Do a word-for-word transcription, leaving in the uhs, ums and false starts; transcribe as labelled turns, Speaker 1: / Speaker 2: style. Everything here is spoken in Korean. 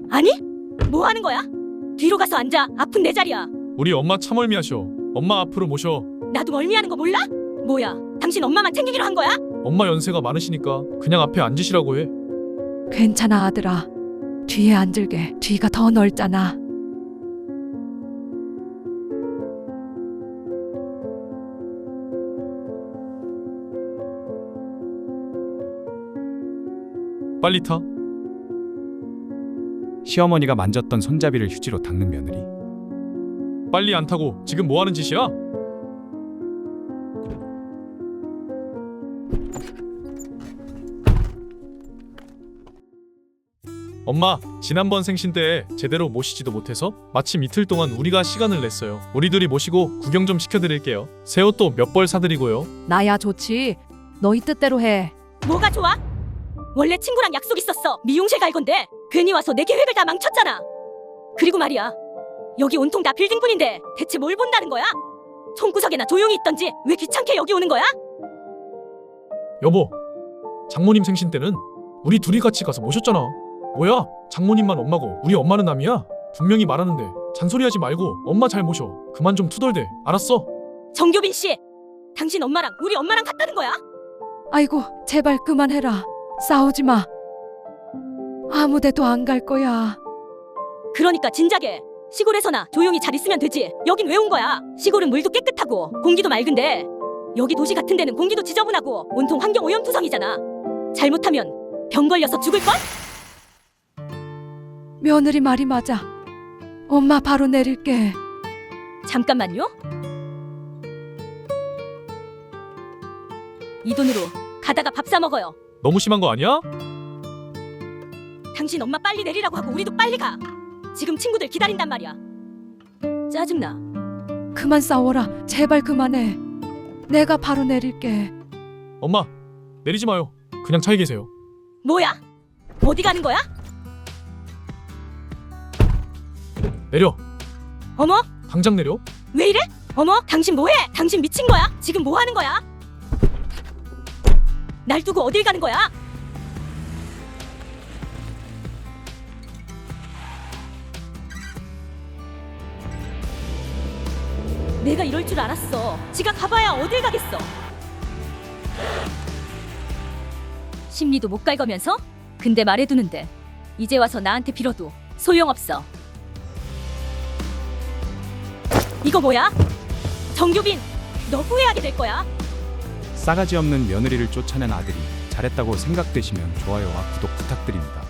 Speaker 1: 아니? 뭐 하는 거야? 뒤로 가서 앉아. 아픈 내 자리야.
Speaker 2: 우리 엄마 참 멀미하셔. 엄마 앞으로 모셔.
Speaker 1: 나도 멀미하는 거 몰라? 뭐야? 당신 엄마만 챙기기로 한 거야?
Speaker 2: 엄마 연세가 많으시니까 그냥 앞에 앉으시라고 해.
Speaker 3: 괜찮아 아들아. 뒤에 앉을게. 뒤가 더 넓잖아.
Speaker 2: 빨리 타.
Speaker 4: 시어머니가 만졌던 손잡이를 휴지로 닦는 며느리.
Speaker 2: 빨리 안 타고 지금 뭐 하는 짓이야? 엄마, 지난번 생신 때 제대로 모시지도 못해서 마침 이틀 동안 우리가 시간을 냈어요. 우리 둘이 모시고 구경 좀 시켜드릴게요. 새 옷도 몇 벌 사드리고요.
Speaker 3: 나야 좋지. 너희 뜻대로 해.
Speaker 1: 뭐가 좋아? 원래 친구랑 약속 있었어. 미용실 갈 건데 괜히 와서 내 계획을 다 망쳤잖아. 그리고 말이야, 여기 온통 다 빌딩뿐인데 대체 뭘 본다는 거야? 손구석에나 조용히 있던지 왜 귀찮게 여기 오는 거야?
Speaker 2: 여보, 장모님 생신 때는 우리 둘이 같이 가서 모셨잖아. 뭐야? 장모님만 엄마고 우리 엄마는 남이야? 분명히 말하는데 잔소리하지 말고 엄마 잘 모셔. 그만 좀 투덜대. 알았어?
Speaker 1: 정교빈 씨, 당신 엄마랑 우리 엄마랑 같다는 거야?
Speaker 3: 아이고 제발 그만해라. 싸우지 마. 아무데도 안 갈 거야.
Speaker 1: 그러니까 진작에 시골에서나 조용히 잘 있으면 되지. 여긴 왜 온 거야? 시골은 물도 깨끗하고 공기도 맑은데 여기 도시 같은 데는 공기도 지저분하고 온통 환경 오염투성이잖아. 잘못하면 병 걸려서 죽을걸?
Speaker 3: 며느리 말이 맞아. 엄마 바로 내릴게.
Speaker 1: 잠깐만요. 이 돈으로 가다가 밥 사 먹어요.
Speaker 2: 너무 심한 거 아니야?
Speaker 1: 당신 엄마 빨리 내리라고 하고 우리도 빨리 가. 지금 친구들 기다린단 말이야. 짜증나.
Speaker 3: 그만 싸워라. 제발 그만해. 내가 바로 내릴게.
Speaker 2: 엄마, 내리지 마요. 그냥 차에 계세요.
Speaker 1: 뭐야? 어디 가는 거야?
Speaker 2: 내려.
Speaker 1: 어머?
Speaker 2: 당장 내려.
Speaker 1: 왜 이래? 어머? 당신 뭐해? 당신 미친 거야? 지금 뭐 하는 거야? 날 두고 어딜 가는 거야? 내가 이럴 줄 알았어. 지가 가봐야 어딜 가겠어. 심리도 못 갈거면서? 근데 말해두는데 이제 와서 나한테 빌어도 소용없어. 이거 뭐야? 정규빈, 너 후회하게 될 거야.
Speaker 4: 싸가지 없는 며느리를 쫓아낸 아들이 잘했다고 생각되시면 좋아요와 구독 부탁드립니다.